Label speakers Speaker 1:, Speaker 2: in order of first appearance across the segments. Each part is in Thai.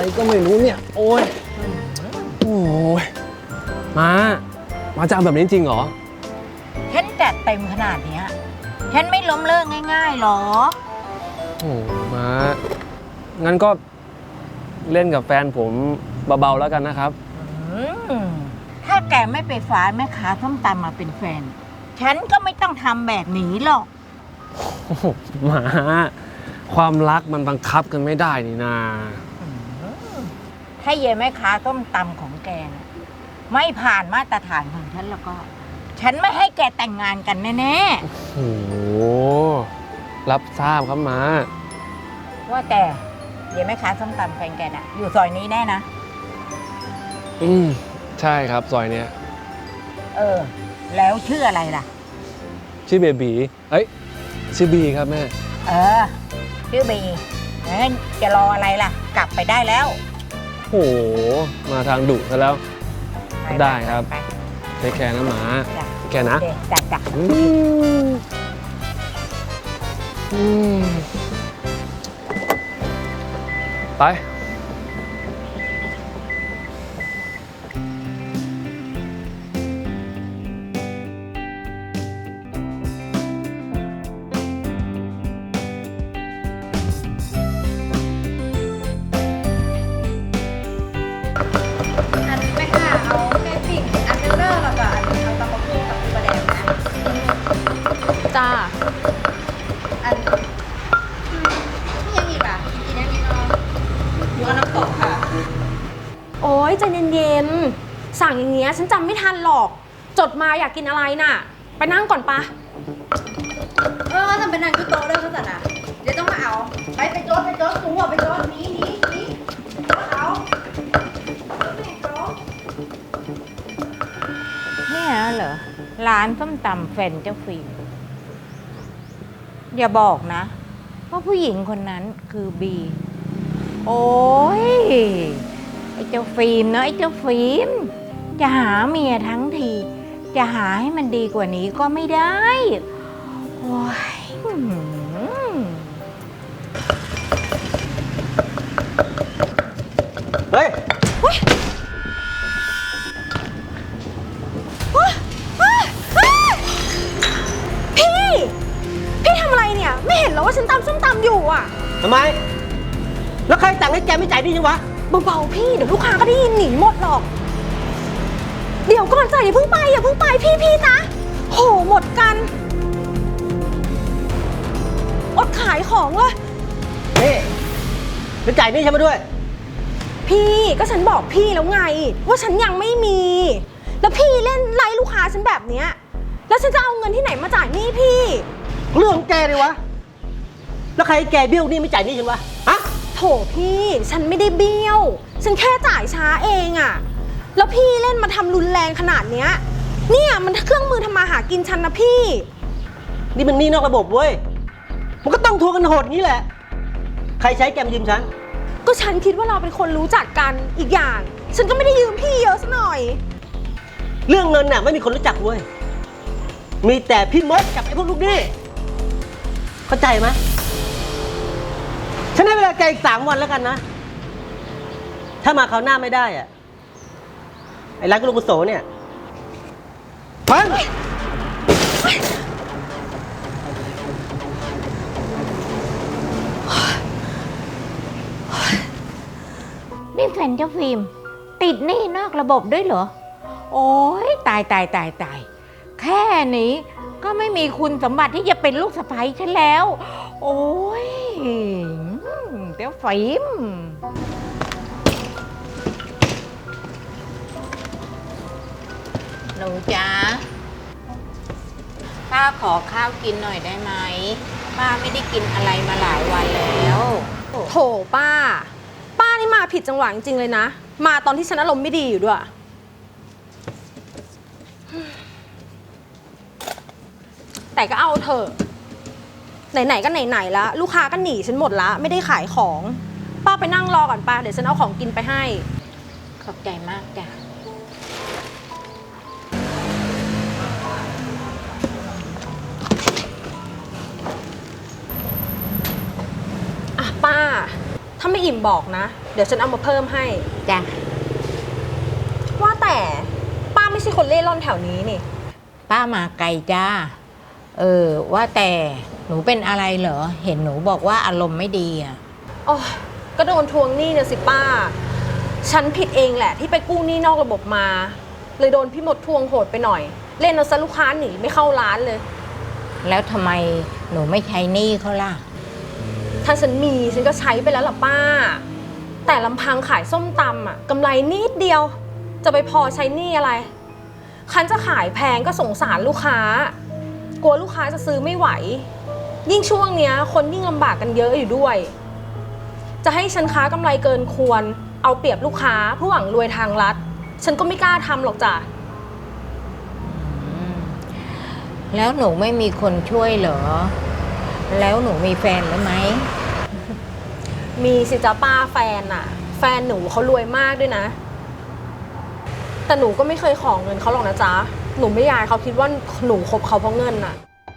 Speaker 1: ก็ไม่รู้เนี่ยโอ้ยโอ้ยมาจะเอาแบบนี้จริงเหรอ
Speaker 2: ฉันจัดเต็มขนาดเนี้ยฉันไม่ล้มเลิกง่ายๆหรอ
Speaker 1: โอ้มางั้นก็เล่นกับแฟนผมเบาๆแล้วกันนะครับ
Speaker 2: ถ้าแกไม่ไปฟ้าแม่ค้าส้มตำมาเป็นแฟนฉันก็ไม่ต้องทำแบบนี้หรอก
Speaker 1: หมาความรักมันบังคับกันไม่ได้นี่นา
Speaker 2: ถ้าเย่แม่ค้าส้มตำของแกนะไม่ผ่านมาตรฐานของฉันแล้วก็ฉันไม่ให้แกแต่งงานกันแน่
Speaker 1: ๆโอ้โหรับทราบครับมา
Speaker 2: ว่าแต่เย่แม่ค้าส้มตำแฟนแกน่ะอยู่ซอยนี้แน่นะ
Speaker 1: ใช่ครับซอยเนี้ย
Speaker 2: แล้วชื่ออะไรล่ะ
Speaker 1: ชื่อเบบีชื่อบีครับแม่
Speaker 2: ชื่อบีงั้นจะรออะไรล่ะกลับไปได้แล้ว
Speaker 1: โอ้โหมาทางดุซะแล้วได้ครับเทคแคร์นะหมาแค่นะ
Speaker 2: จ้ะ
Speaker 1: ไป
Speaker 3: จ้าอันนี่ยังอีกอ่ะกินยังอีกหัวน้ำตกค่ะโอ้ยใจเย็นๆสั่งอย่างเงี้ยฉันจำไม่ทันหรอกจดมาอยากกินอะไรน่ะไปนั่งก่อนปะทำเป็นนางกุโตเด้อเขาสันอ่ะเดี๋ยวต้องมาเอาไปโจ๊ดสูงหัวไปโจ๊ดนี้เอา
Speaker 2: เนี่ยเหรอร้านส้มตำแฟนเจ้าฟิล์มอย่าบอกนะว่าผู้หญิงคนนั้นคือบีโอ้ยไอ้เจ้าฟิล์มเนาะไอ้เจ้าฟิล์มจะหาเมียทั้งทีจะหาให้มันดีกว่านี้ก็ไม่ได้โอ้ย
Speaker 1: เฮ้ย
Speaker 3: พี่ทำอะไรเนี่ยไม่เห็นเหรอว่าฉันตำส้มตำอยู่อ่ะ
Speaker 4: ทำไมแล้วใครสั่งให้แกไม่จ่ายดีจังวะ
Speaker 3: เบาๆพี่เดี๋ยวลูกค้าก็ได้ยินหนีหมดหรอกเดี๋ยวก่อนจ่ายอย่าเพิ่งไปพี่จ๊ะโหหมดกันอดขายของเลย
Speaker 4: นี่จะจ่ายนี่ฉันมาด้วย
Speaker 3: พี่ก็ฉันบอกพี่แล้วไงว่าฉันยังไม่มีแล้วพี่เล่นไล่ลูกค้าฉันแบบเนี้ยแล้วฉันจะเอาเงินที่ไหนมาจ่ายหนี้พี่
Speaker 4: เรื่องของแกเลยวะแล้วใครแกเบี้ยวนี่ไม่จ่ายนี่ฉันวะฮะ
Speaker 3: โถพี่ฉันไม่ได้เบี้ยวฉันแค่จ่ายช้าเองอะแล้วพี่เล่นมาทำรุนแรงขนาดเนี้ยเนี่ยมันเครื่องมือทำมาหากินฉันนะพี่
Speaker 4: นี่มันหนี้นอกระบบเว้ยมันก็ต้องทวงกันโหดงี้แหละใครใช้แกมายืมฉัน
Speaker 3: ก็ฉันคิดว่าเราเป็นคนรู้จักกันอีกอย่างฉันก็ไม่ได้ยืมพี่เยอะซะหน่อย
Speaker 4: เรื่องเงินน่ะไม่มีคนรู้จักเว้ยมีแต่พี่มดกับไอ้พวกลูกหนี้เข้าใจไหมฉันให้เวลาแกอีก3 วันแล้วกันนะถ้ามาคราวหน้าไม่ได้อะไอ้ร้านกุลกุโสเนี่ยพัง
Speaker 2: นี่แฟนเจ้าฟิล์มติดหนี้นอกระบบด้วยเหรอโอ้ยตายแค่นี้ก็ไม่มีคุณสมบัติที่จะเป็นลูกสะใภ้ฉันแล้วโอ้ยเจ้าฟิล์มหนูจ๊ะป้าขอข้าวกินหน่อยได้ไหมป้าไม่ได้กินอะไรมาหลายวันแล้ว
Speaker 3: โถป้านี่มาผิดจังหวะจริงๆเลยนะมาตอนที่ฉันอารมณ์ไม่ดีอยู่ด้วยแต่ก็เอาเถอะไหนๆก็ไหนๆแล้วลูกค้าก็หนีฉันหมดละไม่ได้ขายของป้าไปนั่งรอก่อนป้าเดี๋ยวฉันเอาของกินไปให้
Speaker 2: ขอบใจมากจ้ะ
Speaker 3: ป้าทาไม่อิ่มบอกนะ เดี๋ยวฉันเอามาเพิ่มให้
Speaker 2: จ้ะ
Speaker 3: ว่าแต่ป้าไม่ใช่คนเล่ร่อนแถวนี้นี่
Speaker 2: ป้ามาไกลจ้า ว่าแต่หนูเป็นอะไรเหรอ เห็นหนูบอกว่าอารมณ์ไม่ดีอ่ะ
Speaker 3: อ๋อ ก็โดนทวงหนี้เนี่ยสิป้า ฉันผิดเองแหละที่ไปกู้หนี้นอกระบบมา เลยโดนพี่มดทวงโหดไปหน่อย เล่นเอาซะลูกค้าหนีไม่เข้าร้านเลย
Speaker 2: แล้วทำไมหนูไม่ใช้หนี้เขาล่ะ
Speaker 3: ถ้าฉันมีฉันก็ใช้ไปแล้วล่ะป้า แต่ลำพังขายส้มตำอะกำไรนิดเดียว จะไปพอใช้หนี้อะไร คันจะขายแพงก็สงสารลูกค้า กลัวลูกค้าจะซื้อไม่ไหว ยิ่งช่วงเนี้ยคนยิ่งลำบากกันเยอะอยู่ด้วย จะให้ฉันค้ากำไรเกินควร เอาเปรียบลูกค้าเพื่อหวังรวยทางลัด ฉันก็ไม่กล้าทำหรอกจ้ะ
Speaker 2: แล้วหนูไม่มีคนช่วยเหรอ แล้วหนูมีแฟนหรือไหม
Speaker 3: มีสิจ้าป้าแฟนน่ะ แฟนหนูเขารวยมากด้วยนะ แต่หนูก็ไม่เคยขอเงินเขาหรอกนะจ๊ะ หนูไม่อยากให้เขาคิดว่าหนูคบเขาเพราะเงินน่ะ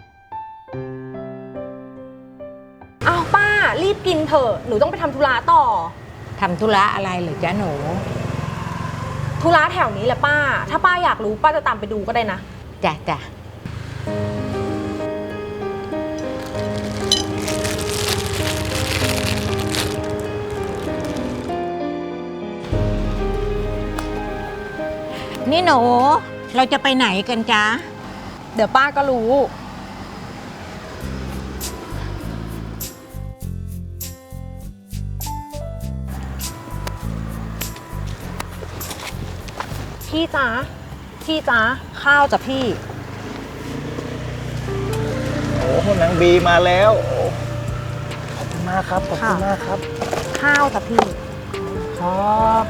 Speaker 3: อ้าวป้ารีบกินเถอะหนูต้องไปทำธุระต่อ
Speaker 2: ทำธุระอะไรเหรือจ๊ะหนู
Speaker 3: ธุระแถวนี้แหละป้า ถ้าป้าอยากรู้ป้าจะตามไปดูก็ได้นะ
Speaker 2: จ้ะจ้ะนี่หนู เราจะไปไหนกันจ๊ะ
Speaker 3: เดี๋ยวป้าก็รู้ พี่จ๊ะพี่จ๊ะข้าวจ้ะพี่
Speaker 5: โอ้โหนางบีมาแล้วโอ้ขอบคุณมากครับ ขอบคุณมากครับ
Speaker 3: ข้าวจ้ะพี่
Speaker 5: ครับ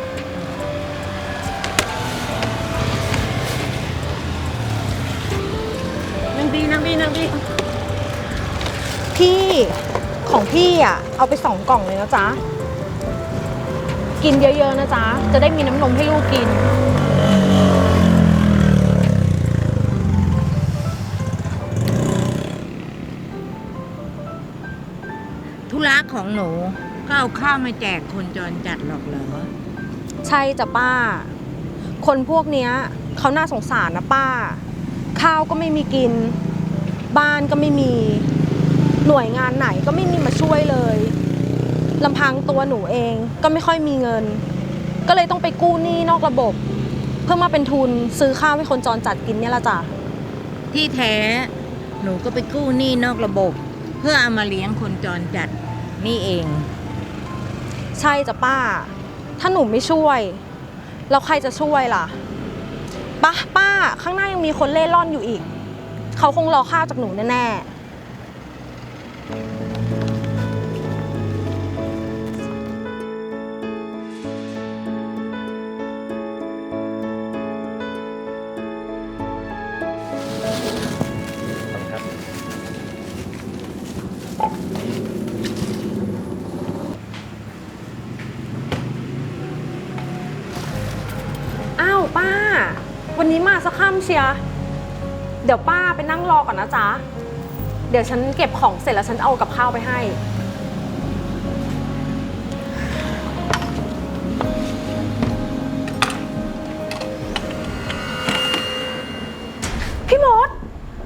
Speaker 5: นางบี
Speaker 3: พี่ของพี่อ่ะเอาไป2 กล่องเลยนะจ๊ะ กินเยอะๆนะจ๊ะ จะได้มีน้ำนมให้ลูกกิน
Speaker 2: ธุระของหนูก็เอาข้าวมาแจกคนจรจัดหรอกเหรอ
Speaker 3: ใช่จ้ะป้า คนพวกเนี้ยเขาน่าสงสารนะป้า ข้าวก็ไม่มีกิน บ้านก็ไม่มี หน่วยงานไหนก็ไม่มีมาช่วยเลยลำพังตัวหนูเองก็ไม่ค่อยมีเงิน ก็เลยต้องไปกู้หนี้นอกระบบ เพื่อมาเป็นทุนซื้อข้าวให้คนจรจัดกินเนี่ยละจ้ะ
Speaker 2: ที่แท้หนูก็ไปกู้หนี้นอกระบบ เพื่อเอามาเลี้ยงคนจรจัดนี่เอง
Speaker 3: ใช่จ้ะป้า ถ้าหนูไม่ช่วยแล้วใครจะช่วยล่ะป้าข้างหน้ายังมีคนเล่ร่อนอยู่อีก เขาคงรอข้าวจากหนูแน่ๆ อ้าวป้า วันนี้มาสักค่ำเชียร์เดี๋ยวป้าไปนั่งรอก่อนนะจ๊ะ เดี๋ยวฉันเก็บของเสร็จแล้วฉันเอากับข้าวไปให้ พี่มด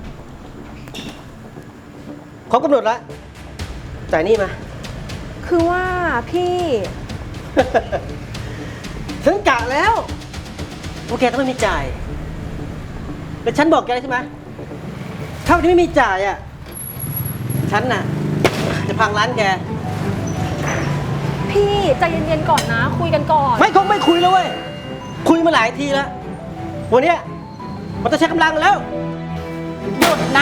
Speaker 4: เขากำหนดแล้วจ่ายหนี่มา
Speaker 3: คือว่าพี่
Speaker 4: ฉันกะแล้วว่าแกต้องไม่มีจ่าย แต่ฉันบอกแกแล้วใช่ไหมถ้าวันนี้ไม่มีจ่ายอ่ะ ฉันน่ะ จะพังร้านแก
Speaker 3: พี่ใจเย็นๆก่อนนะ คุยกันก่อน
Speaker 4: ไม่คงไม่คุยแล้วเว้ย คุยมาหลายทีแล้ว วันเนี้ยมันจะใช้กำลังแล้ว
Speaker 2: หยุดนะ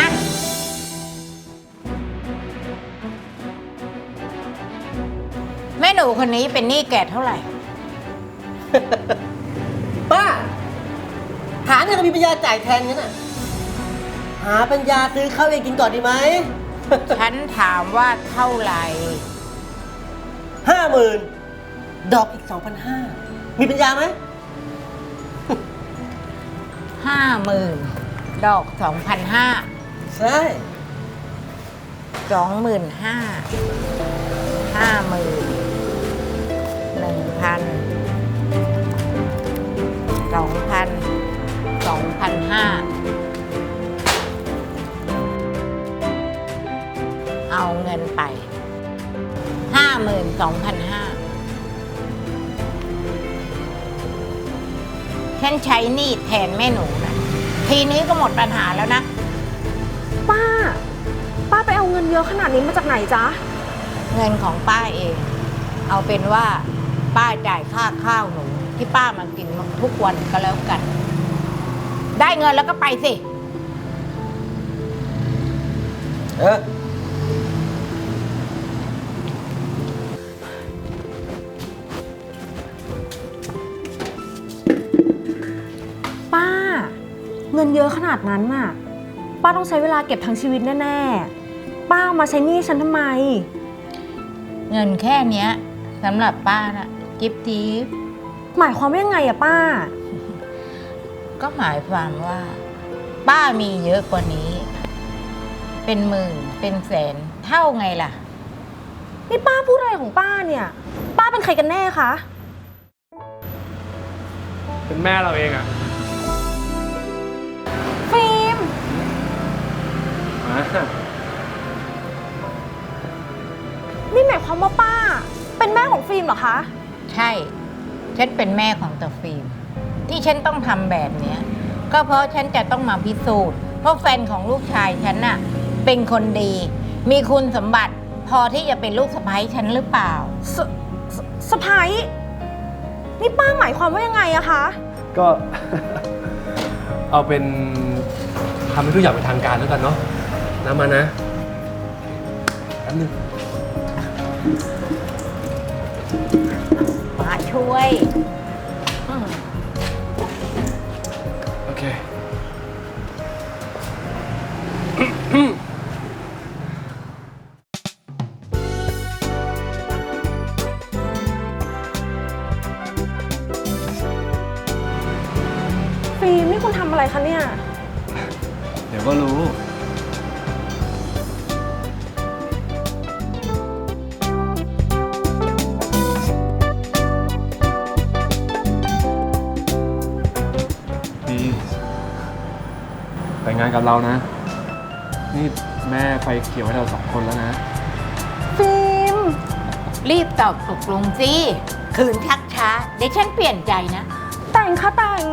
Speaker 2: แม่หนูคนนี้เป็นหนี้แกเท่าไหร่
Speaker 4: ป้า หาเนี่ยเรามีปัญญาจ่ายแทนงั้นน่ะ หาปัญญาซื้อข้าวเองกินก่อนดีไหม
Speaker 2: ฉันถามว่าเท่าไหร่
Speaker 4: 50,000 ดอกอีก 2,500 มีปัญญาไหม
Speaker 2: 50,000 ดอก 2,500
Speaker 4: ใช่
Speaker 2: 25,000 50,000 1,000 2,000 2,500เอาเงินไป 52,500ฉันใช้หนี้แทนแม่หนูนะทีนี้ก็หมดปัญหาแล้วนะ
Speaker 3: ป้าไปเอาเงินเยอะขนาดนี้มาจากไหนจ๊ะ
Speaker 2: เงินของป้าเอง เอาเป็นว่าป้าจ่ายค่าข้าวหนู ที่ป้ามากินทุกวันก็แล้วกัน ได้เงินแล้วก็ไปสิ
Speaker 4: เออ
Speaker 3: ป้า เงินเยอะขนาดนั้นน่ะ ป้าต้องใช้เวลาเก็บทั้งชีวิตแน่ๆ ป้าเอามาใช้หนี้ฉันทำไม
Speaker 2: เงินแค่เนี้ยสำหรับป้านะจิ๊บจิ๊บ
Speaker 3: หมายความว่ายังไงอะป้า
Speaker 2: ก็หมายความว่า ป้ามีเยอะกว่านี้ เป็นหมื่นเป็นแสนเท่าไงล่ะ
Speaker 3: นี่ป้าพูดอะไรของป้าเนี่ย ป้าเป็นใครกันแน่คะ
Speaker 1: เป็นแม่เราเองอะ
Speaker 3: ฟิล์ม
Speaker 1: มา
Speaker 3: นี่หมายความว่าป้า เป็นแม่ของฟิล์มเหรอคะ
Speaker 2: ใช่ ฉันเป็นแม่ของตาฟิล์มที่ฉันต้องทำแบบเนี้ย ก็เพราะฉันจะต้องมาพิสูจน์ว่าแฟนของลูกชายฉันน่ะ เป็นคนดี มีคุณสมบัติ พอที่จะเป็นลูกสะใภ้ฉันหรือเปล่า
Speaker 3: สะพ้ายนี่ป้าหมายความว่ายังไงอะคะ
Speaker 1: ก็ เอาเป็นทำให้ทุกอย่างเป็นทางการแล้วกันเนาะนะมานะแป๊บนึง
Speaker 2: มาช่วย
Speaker 1: โอเค
Speaker 3: ฟิล์มนี่คุณทำอะไรคะเนี่ย
Speaker 1: เดี๋ยวก็รู้ ดีแต่งงานกับเรานะ นี่แม่ไฟเขียวให้เรา2 คนแล้วนะ
Speaker 3: ฟิล์ม
Speaker 2: รีบตอบตกลงสิคืนชักช้า เดี๋ยวฉันเปลี่ยนใจนะ
Speaker 3: แต่งค่ะแต่ง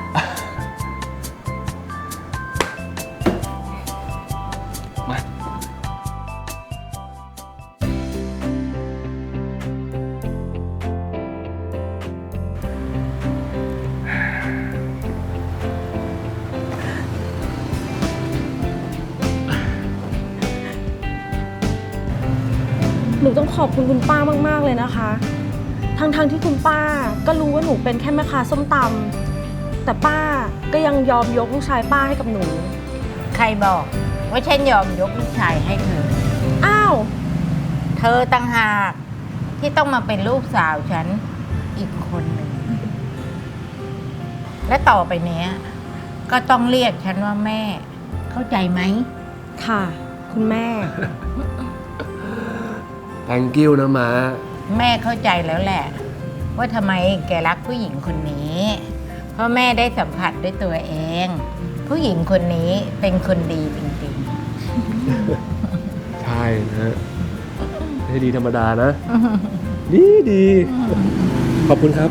Speaker 1: มา
Speaker 3: หนูต้องขอบคุณคุณป้ามากๆเลยนะคะ ทั้งที่คุณป้าก็รู้ว่าหนูเป็นแค่แม่ค้าส้มตำแต่ป้าก็ยังยอมยกลูกชายป้าให้กับหนู
Speaker 2: ใครบอกว่าฉันยอมยกลูกชายให้เธอ
Speaker 3: อ้าว
Speaker 2: เธอต่างหากที่ต้องมาเป็นลูกสาวฉันอีกคนหนึ่ง และต่อไปเนี้ย ก็ต้องเรียกฉันว่าแม่ เข้าใจไหม
Speaker 3: ค่ะ คุณแม่
Speaker 1: thank you นะมา
Speaker 2: แม่เข้าใจแล้วแหละ ว่าทำไมแกรักผู้หญิงคนนี้ เพราะแม่ได้สัมผัสด้วยตัวเอง ผู้หญิงคนนี้เป็นคนดีจริง
Speaker 1: ใช่นะไม่ใช่ดีธรรมดานะ ดีดี ขอบคุณครับ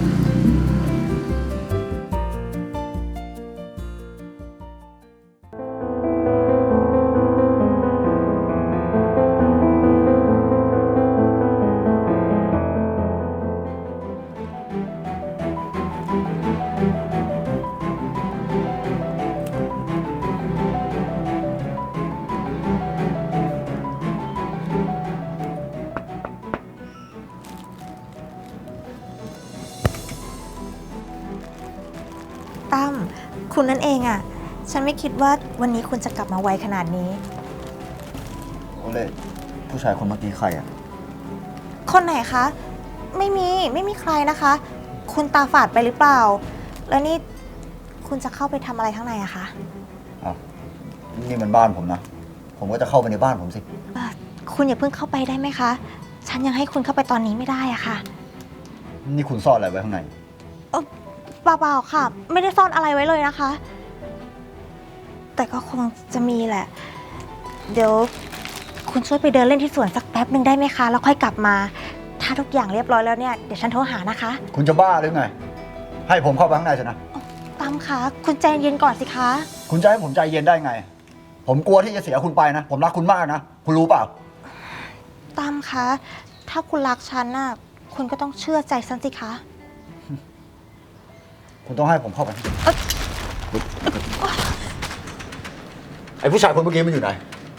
Speaker 6: ตั้มคุณนั่นเองอะฉันไม่คิดว่าวันนี้คุณจะกลับมาไวขนาดนี้
Speaker 5: โอเล่ผู้ชายคนเมื่อกี้ใครอ่ะ
Speaker 6: คนไหนคะ ไม่มีใครนะคะ คุณตาฝาดไปหรือเปล่า แล้วนี่คุณจะเข้าไปทำอะไรข้างในอะคะ
Speaker 5: อ้าว นี่มันบ้านผมนะ ผมก็จะเข้าไปในบ้านผมสิ
Speaker 6: คุณอย่าเพิ่งเข้าไปได้ไหมคะ ฉันยังให้คุณเข้าไปตอนนี้ไม่ได้อะค่ะ
Speaker 5: นี่คุณซ่อนอะไรไว้ข้างใน
Speaker 6: เปล่าๆค่ะ ไม่ได้ซ่อนอะไรไว้เลยนะคะ แต่ก็คงจะมีแหละ เดี๋ยวคุณช่วยไปเดินเล่นที่สวนสักแป๊บหนึ่งได้ไหมคะ แล้วค่อยกลับมา ถ้าทุกอย่างเรียบร้อยแล้วเนี่ย เดี๋ยวฉันโทรหานะคะ
Speaker 5: คุณจะบ้าหรือไง ให้ผมเข้าไปข้างในสินะ
Speaker 6: ตั้มคะคุณใจเย็นก่อนสิคะ
Speaker 5: คุณจะให้ผมใจเย็นได้ไง ผมกลัวที่จะเสียคุณไปนะ ผมรักคุณมากนะ คุณรู้เปล่า
Speaker 6: ตั้มคะ ถ้าคุณรักฉันน่ะ คุณก็ต้องเชื่อใจฉันสิคะ
Speaker 5: คุณต้องให้ผมเข้าไป ไอ้ผู้ชายคนเมื่อกี้มันอยู่ไหน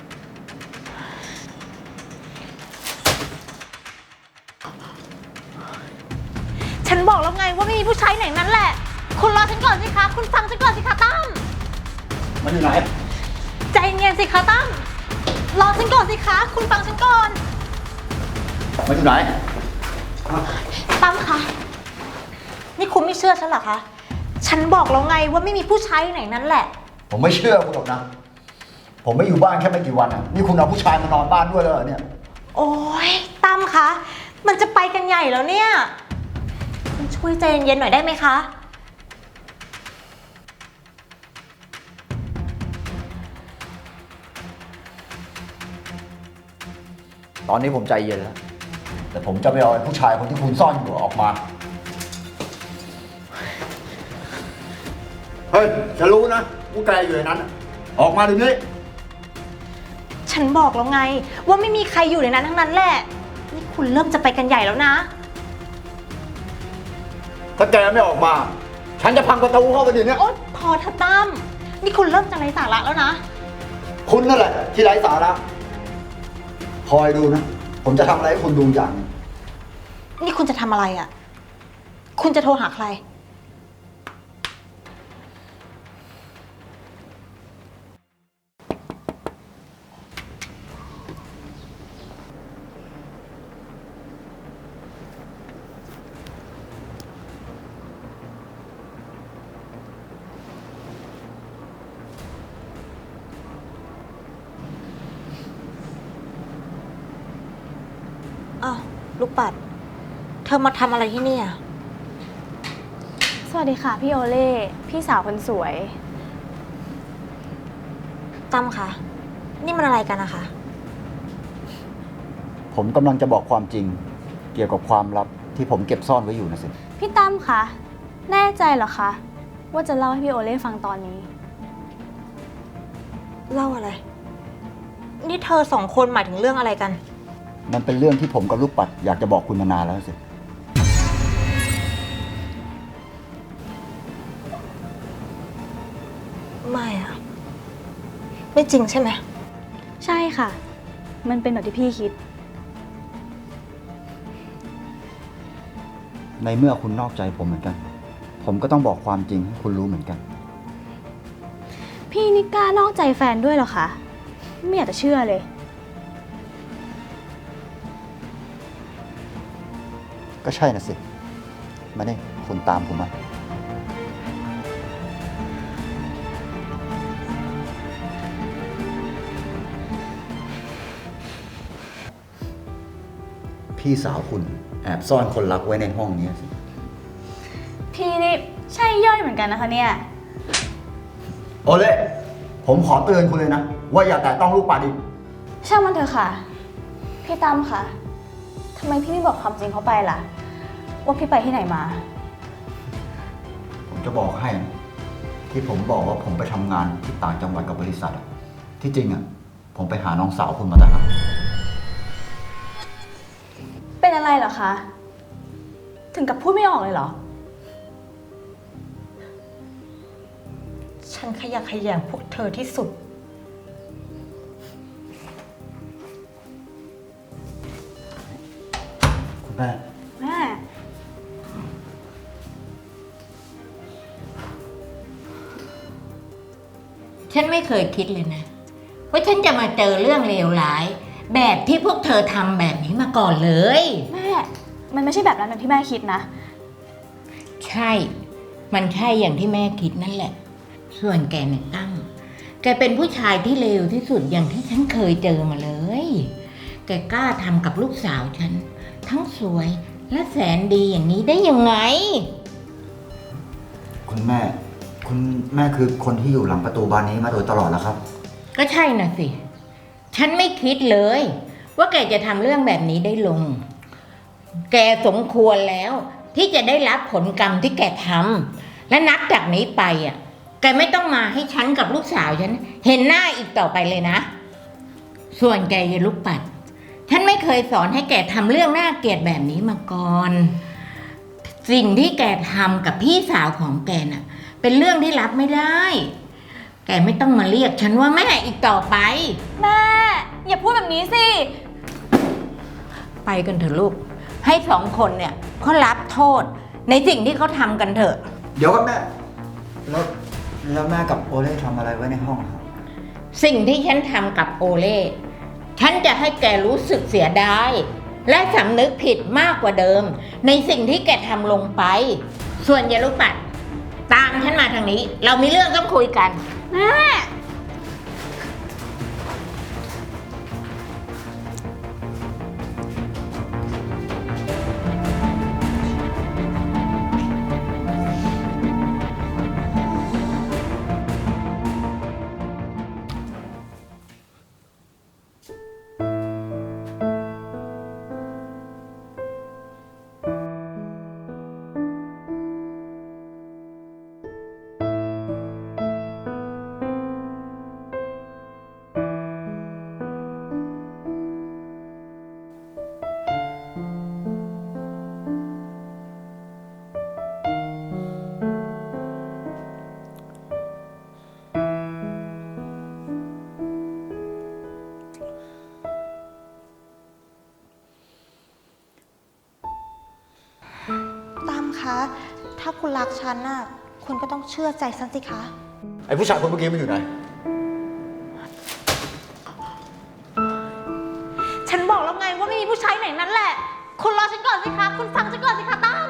Speaker 6: ฉันบอกแล้วไงว่าไม่มีผู้ชายไหนนั้นแหละ คุณรอฉันก่อนสิคะ คุณฟังฉันก่อนสิคะตั้ม
Speaker 5: มันอยู่ไหน
Speaker 6: ใจเย็นสิคะตั้ม รอฉันก่อนสิคะ คุณฟังฉันก่อน
Speaker 5: มันอยู่ไหน
Speaker 6: ตั้มคะ นี่คุณไม่เชื่อฉันเหรอคะ ฉันบอกแล้วไงว่าไม่มีผู้ชายไหนนั้นแหละ
Speaker 5: ผมไม่เชื่อคุณหรอกนะ ผมไม่อยู่บ้านแค่ไม่กี่วันอ่ะ นี่คุณเอาผู้ชายมานอนบ้านด้วยแล้วเหรอเนี่ย
Speaker 6: โอ้ยตั้มคะ มันจะไปกันใหญ่แล้วเนี่ย คุณช่วยใจเย็นๆหน่อยได้ไหมคะ
Speaker 5: ตอนนี้ผมใจเย็นแล้ว แต่ผมจะไปเอาไอ้ผู้ชายคนที่คุณซ่อนอยู่ออกมา เฮ้ย ฉันรู้นะผู้แกอยู่ในนั้น ออกมาเดี๋ยวนี้
Speaker 6: ฉันบอกแล้วไงว่าไม่มีใครอยู่ในนั้นทั้งนั้นแหละ นี่คุณเริ่มจะไปกันใหญ่แล้วนะ
Speaker 5: ถ้าแกไม่ออกมา ฉันจะพังประตูเข้าไปเดี๋ยวนี้
Speaker 6: โอ๊ยพอเถอะตั้ม นี่คุณเริ่มจะไร้สาระแล้วนะ
Speaker 5: คุณนั่นแหละที่ไร้สาระ คอยดูนะ ผมจะทำอะไรให้คุณดูอย่างหนึ่ง
Speaker 6: นี่คุณจะทำอะไรอ่ะ คุณจะโทรหาใคร อ้าวลูกปัด เธอมาทำอะไรที่นี่อ่ะ
Speaker 7: สวัสดีค่ะพี่โอเล่พี่สาวคนสวย
Speaker 6: ตั้มคะ นี่มันอะไรกันนะคะ
Speaker 5: ผมกำลังจะบอกความจริง เกี่ยวกับความลับที่ผมเก็บซ่อนไว้อยู่นะสิ
Speaker 7: พี่ตั้มคะแน่ใจเหรอคะว่าจะเล่าให้พี่โอเล่ฟังตอนนี้
Speaker 6: เล่าอะไร นี่เธอสองคนหมายถึงเรื่องอะไรกัน
Speaker 5: มันเป็นเรื่องที่ผมกับลูกปัดอยากจะบอกคุณมานานแล้วสิ
Speaker 6: ไม่อะไม่จริงใช่ไหม
Speaker 7: ใช่ค่ะ มันเป็นแบบที่พี่คิด
Speaker 5: ในเมื่อคุณนอกใจผมเหมือนกัน ผมก็ต้องบอกความจริงให้คุณรู้เหมือนกัน
Speaker 7: พี่นี่กล้านอกใจแฟนด้วยเหรอคะไม่อยากจะเชื่อเลย
Speaker 5: ก็ใช่นะสิ มาเนี่ยคุณตามผมมา พี่สาวคุณแอบซ่อนคนรักไว้ในห้องนี้สิ
Speaker 7: พี่นี่ใช่ย่อยเหมือนกันนะคะเนี่ย
Speaker 5: โอเล่ผมขอเตือนคุณเลยนะ ว่าอย่าแตะต้องลูกปัดอีก
Speaker 7: ช่างมันเถอะค่ะ พี่ตั้มคะทำไมพี่ไม่บอกความจริงเขาไปล่ะ ว่าพี่ไปที่ไหนมา
Speaker 5: ผมจะบอกให้นะที่ผมบอกว่าผมไปทำงานที่ต่างจังหวัดกับบริษัทอะที่จริงอะผมไปหาน้องสาวคุณมาต่างหาก
Speaker 7: เป็นอะไรเหรอคะ ถึงกับพูดไม่ออกเลยเหรอ
Speaker 6: ฉันขยะแขยงพวกเธอที่สุด
Speaker 5: คุณแม่
Speaker 7: แม่
Speaker 2: ฉันไม่เคยคิดเลยนะว่าฉันจะมาเจอเรื่องเลวร้าย แบบที่พวกเธอทำแบบนี้มาก่อนเลย
Speaker 7: แม่ มันไม่ใช่แบบนั้นแบบที่แม่คิดนะ
Speaker 2: ใช่ มันใช่อย่างที่แม่คิดนั่นแหละ ส่วนแกเนี่ยตั้มแกเป็นผู้ชายที่เลวที่สุดอย่างที่ฉันเคยเจอมาเลย แกกล้าทำกับลูกสาวฉัน ทั้งสวยและแสนดีอย่างนี้ได้ยังไง
Speaker 5: คุณแม่คือคนที่อยู่หลังประตูบานนี้มาโดยตลอดแล้วครับ
Speaker 2: ก็ใช่น่ะสิ ฉันไม่คิดเลย ว่าแกจะทำเรื่องแบบนี้ได้ลง แกสมควรแล้ว ที่จะได้รับผลกรรมที่แกทำและนับจากนี้ไปแกไม่ต้องมาให้ฉันกับลูกสาวฉันเห็นหน้าอีกต่อไปเลยนะ ส่วนแกยายลูกปัด ฉันไม่เคยสอนให้แกทำเรื่องน่าเกลียดแบบนี้มาก่อน สิ่งที่แกทำกับพี่สาวของแกน่ะ เป็นเรื่องที่รับไม่ได้ แกไม่ต้องมาเรียกฉันว่าแม่อีกต่อไป
Speaker 7: แม่ อย่าพูดแบบนี้สิ
Speaker 2: ไปกันเถอะลูก ให้สองคนเนี่ยเขารับโทษในสิ่งที่เขาทำกันเถอะ
Speaker 5: เดี๋ยวครับแม่แล้วแม่กับโอเล่ทำอะไรไว้ในห้องครับ
Speaker 2: สิ่งที่ฉันทำกับโอเล่ ฉันจะให้แกรู้สึกเสียดาย และสำนึกผิดมากกว่าเดิม ในสิ่งที่แกทำลงไป ส่วนยายลูกปัด ตามฉันมาทางนี้ เรามีเรื่องต้องคุยกัน
Speaker 7: แม่
Speaker 6: ตั้มคะ ถ้าคุณรักฉันน่ะ คุณก็ต้องเชื่อใจฉันสิคะ
Speaker 5: ไอ้ผู้ชายคนเมื่อกี้มันอยู่ไหน
Speaker 6: ฉันบอกแล้วไงว่าไม่มีผู้ชายไหนนั้นแหละ คุณรอฉันก่อนสิคะ คุณฟังฉันก่อนสิคะตั้ม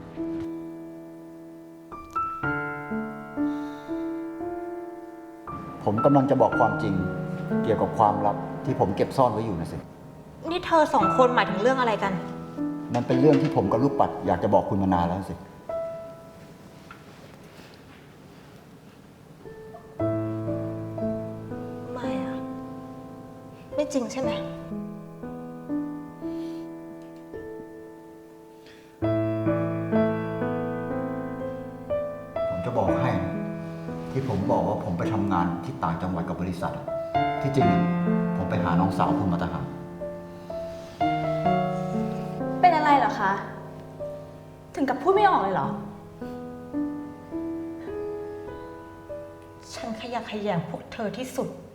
Speaker 5: ผมกำลังจะบอกความจริง เกี่ยวกับความลับที่ผมเก็บซ่อนไว้อยู่นะสิ
Speaker 6: นี่เธอสองคนหมายถึงเรื่องอะไรกัน
Speaker 5: มันเป็นเรื่องที่ผมกับลูกปัดอยากจะบอกคุณมานานแล้วสิ
Speaker 6: ไม่อะไม่จริงใช่ไหม
Speaker 5: ผมจะบอกให้นะที่ผมบอกว่าผมไปทำงานที่ต่างจังหวัดกับบริษัทอะที่จริงอะผมไปหาน้องสาวคุณมาต่างหาก
Speaker 7: เป็นอะไรเหรอคะ ถึงกับพูดไม่ออกเลยเหรอ
Speaker 6: ฉันขยะแขยงพวกเธอที่สุด